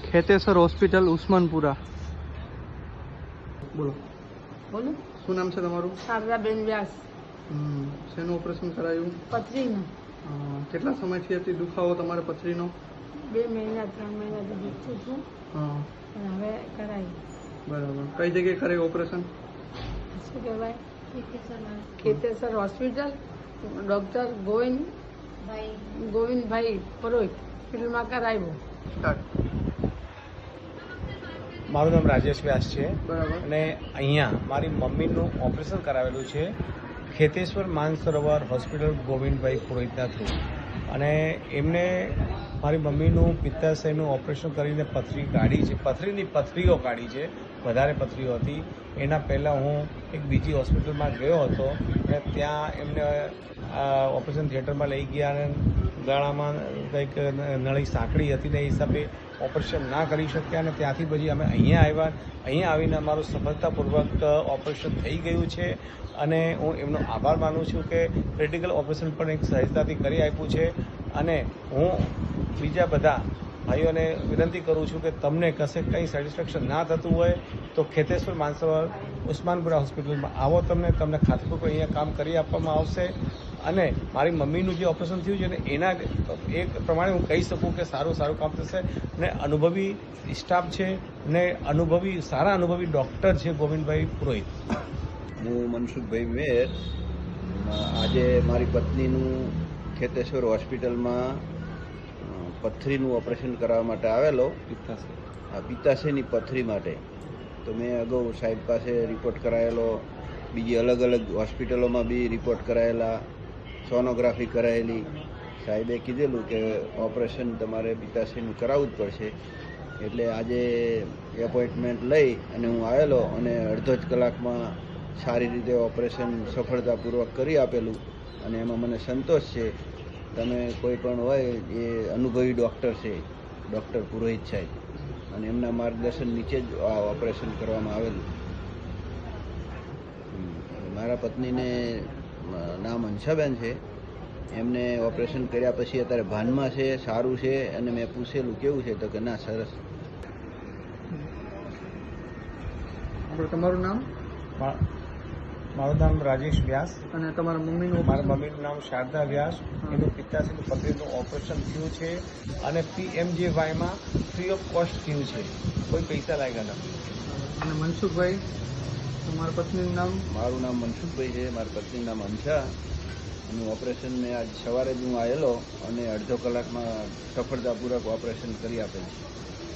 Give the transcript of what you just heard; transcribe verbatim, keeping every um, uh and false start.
ખેતેસર hospital Usmanpura. બોલો બોલો. શું નામ છે તમારું? શારદાબેન વ્યાસ. હમ શેનું ઓપરેશન કરાયું? પથરીનું. અ, કેટલા સમયથી હતી દુખાવો તમારે પથરીનો? બે મહિના ત્રણ મહિનાથી દુખતું હતું હા પણ હવે કરાયું. બરાબર. કઈ જગ્યાએ કરાયું ઓપરેશન? શું કહેવાય? ખેતેસર હોસ્પિટલ, ડૉક્ટર ગોવિંદ ગોવિંદભાઈ પુરોહિત હોસ્પિટલમાં કરાવ્યું. સ્ટાર્ટ. મારું નામ રાજેશ વ્યાસ છે બરાબર. અને અહીંયા મારી મમ્મીનું ઓપરેશન કરાવેલું છે ખેતેશ્વર માનસરોવર હોસ્પિટલ ગોવિંદભાઈ પુરોહિતના થ્રુ. અને એમને મારી મમ્મીનું પિત્તાશયનું ઓપરેશન કરીને પથરી કાઢી છે, પથરીની પથરીઓ કાઢી છે, વધારે પથરીઓ હતી. એના પહેલાં હું એક બીજી હોસ્પિટલમાં ગયો હતો અને ત્યાં એમને ઓપરેશન થિયેટરમાં લઈ ગયા અને ગળામાં કંઈક નળી સાંકળી હતી ને એ હિસાબે ઓપરેશન ના કરી શક્યા અને ત્યાંથી પછી અમે અહીંયા આવ્યા. અહીંયા આવીને અમારું સફળતાપૂર્વક ઓપરેશન થઈ ગયું છે અને હું એમનો આભાર માનું છું કે ક્રિટિકલ ઓપરેશન પણ એક સહજતાથી કરી આપ્યું છે. અને હું બીજા બધા ભાઈઓને વિનંતી કરું છું કે તમને કશે કંઈ સેટિસ્ફેક્શન ના થતું હોય તો ખેતેશ્વર માનસરોવર ઉસ્માનપુરા હોસ્પિટલમાં આવો. તમને તમને ખાતરીપૂર્વક અહીંયા કામ કરી આપવામાં આવશે. અને મારી મમ્મીનું જે ઓપરેશન થયું છે ને એના એક પ્રમાણે હું કહી શકું કે સારું સારું કામ થશે. અને અનુભવી સ્ટાફ છે ને અનુભવી સારા અનુભવી ડૉક્ટર છે ગોવિંદભાઈ પુરોહિત. હું મનસુખભાઈ મેર. આજે મારી પત્નીનું ખેતેશ્વર હોસ્પિટલમાં પથરીનું ઓપરેશન કરવા માટે આવેલો. પિત્તાશય આ પિત્તાશયની પથરી માટે તો મેં અગાઉ સાહેબ પાસે રિપોર્ટ કરાયેલો, બીજી અલગ અલગ હોસ્પિટલોમાં બી રિપોર્ટ કરાયેલા, સોનોગ્રાફી કરાયેલી. સાહેબે કીધેલું કે ઓપરેશન તમારે પિત્તાશયનું કરાવવું જ પડશે. એટલે આજે એપોઇન્ટમેન્ટ લઈ અને હું આવેલો અને અડધો જ કલાકમાં સારી રીતે ઓપરેશન સફળતાપૂર્વક કરી આપેલું. અને એમાં મને સંતોષ છે. તમે કોઈ પણ હોય એ અનુભવી ડૉક્ટર છે, ડૉક્ટર પુરોહિત સાહેબ, અને એમના માર્ગદર્શન નીચે જ આ ઓપરેશન કરવામાં આવેલું. મારા પત્નીને નામ હંસાબેન છે. એમને ઓપરેશન કર્યા પછી અત્યારે ભાનમાં છે, સારું છે. અને મેં પૂછેલું કેવું છે તો કે ના સરસ. આપણે તમારું નામ મા- મારું નામ રાજેશ વ્યાસ. અને તમારા મમ્મીનું મારા મમ્મીનું નામ શારદા વ્યાસ. એનું પિત્તાશયનું પથરીનું ઓપરેશન થયું છે અને પીએમજેવાયમાં ફ્રી ઓફ કોસ્ટ થયું છે, કોઈ પૈસા લાગ્યા નથી. અને મનસુખભાઈ, તમારા પત્નીનું નામ? મારું નામ મનસુખભાઈ છે, મારી પત્નીનું નામ હંસા. એનું ઓપરેશન મેં આજ સવારે જ હું આવેલો અને અડધો કલાકમાં સફળતાપૂર્વક ઓપરેશન કરી આપેલું.